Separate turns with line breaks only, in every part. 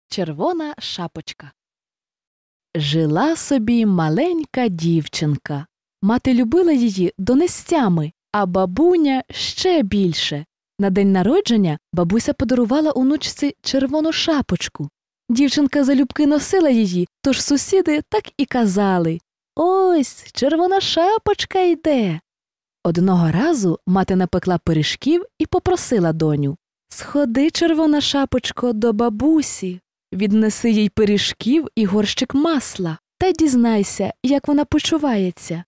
Червона шапочка. Жила собі маленька дівчинка. Мати любила її донестями, а бабуня ще більше. На день народження бабуся подарувала онучці червону шапочку. Дівчинка залюбки носила її, тож сусіди так і казали: «Ось, червона шапочка йде». Одного разу мати напекла пиріжків і попросила доню: «Сходи, червона шапочко, до бабусі, віднеси їй пиріжків і горщик масла, та дізнайся, як вона почувається».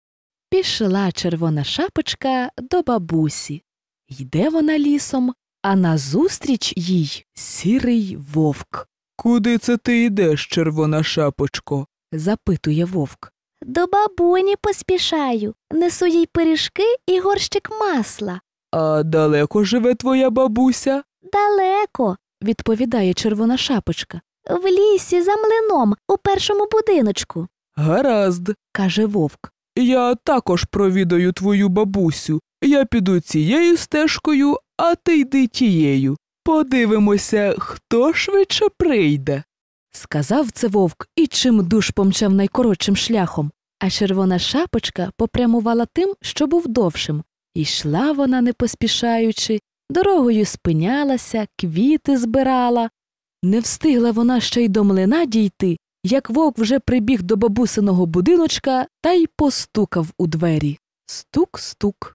Пішла червона шапочка до бабусі. Йде вона лісом, а назустріч їй сірий вовк.
«Куди це ти йдеш, червона шапочко?»
– запитує вовк.
«До бабуні поспішаю, несу їй пиріжки і горщик масла».
«А далеко живе твоя бабуся?»
«Далеко»,
– відповідає червона шапочка.
«В лісі за млином, у першому будиночку».
«Гаразд», –
каже вовк.
«Я також провідаю твою бабусю. Я піду цією стежкою, а ти йди тією. Подивимося, хто швидше прийде».
Сказав це вовк і чимдуж помчав найкоротшим шляхом, а червона шапочка попрямувала тим, що був довшим. Ішла вона не поспішаючи, дорогою спинялася, квіти збирала. Не встигла вона ще й до млина дійти, як вовк вже прибіг до бабусиного будиночка та й постукав у двері. Стук-стук.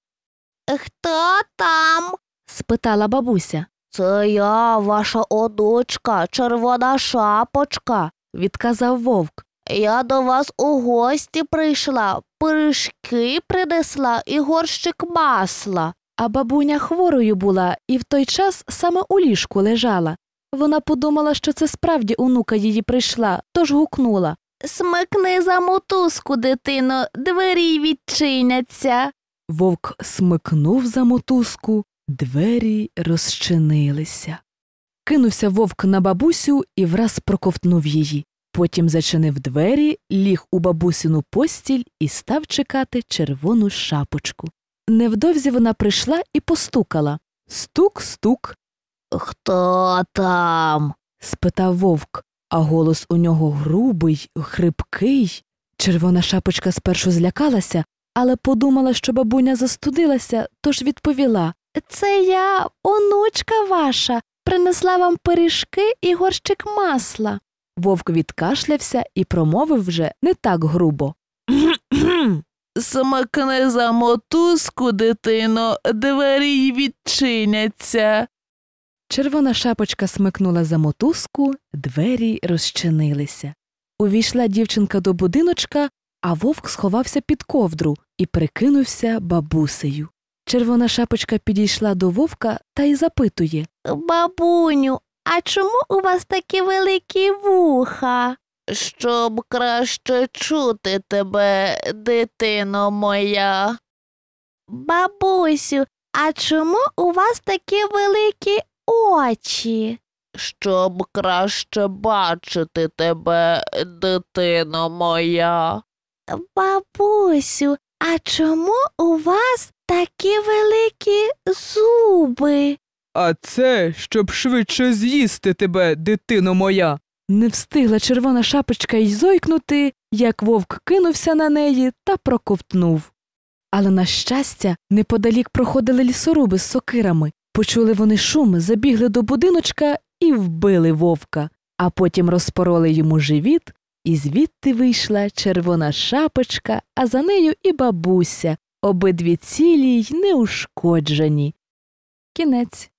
«Хто там?» – спитала бабуся. «Це я, ваша онучка, червона шапочка», – відказав вовк. «Я до вас у гості прийшла, пиріжки принесла і горщик масла».
А бабуня хворою була і в той час саме у ліжку лежала. Вона подумала, що це справді онука її прийшла, тож гукнула:
«Смикни за мотузку, дитино, двері відчиняться».
Вовк смикнув за мотузку, двері розчинилися. Кинувся вовк на бабусю і враз проковтнув її. Потім зачинив двері, ліг у бабусину постіль і став чекати червону шапочку. Невдовзі вона прийшла і постукала. Стук-стук.
«Хто там?»
– спитав вовк, а голос у нього грубий, хрипкий. Червона шапочка спершу злякалася, але подумала, що бабуня застудилася, тож відповіла:
«Це я, онучка ваша, принесла вам пиріжки і горщик масла».
Вовк відкашлявся і промовив вже не так грубо:
«Смикни за мотузку, дитино, двері й відчиняться».
Червона шапочка смикнула за мотузку, двері розчинилися. Увійшла дівчинка до будиночка, а вовк сховався під ковдру і прикинувся бабусею. Червона шапочка підійшла до вовка та й запитує:
«Бабуню, а чому у вас такі великі вуха?» «Щоб краще чути тебе, дитино моя». «Бабусю, а чому у вас такі великі очі?» «Щоб краще бачити тебе, дитино моя». «Бабусю, а чому у вас такі великі зуби?»
«А це, щоб швидше з'їсти тебе, дитино моя».
Не встигла червона шапочка й зойкнути, як вовк кинувся на неї та проковтнув. Але, на щастя, неподалік проходили лісоруби з сокирами. Почули вони шум, забігли до будиночка і вбили вовка, а потім розпороли йому живіт, і звідти вийшла червона шапочка, а за нею і бабуся, обидві цілі й неушкоджені. Кінець.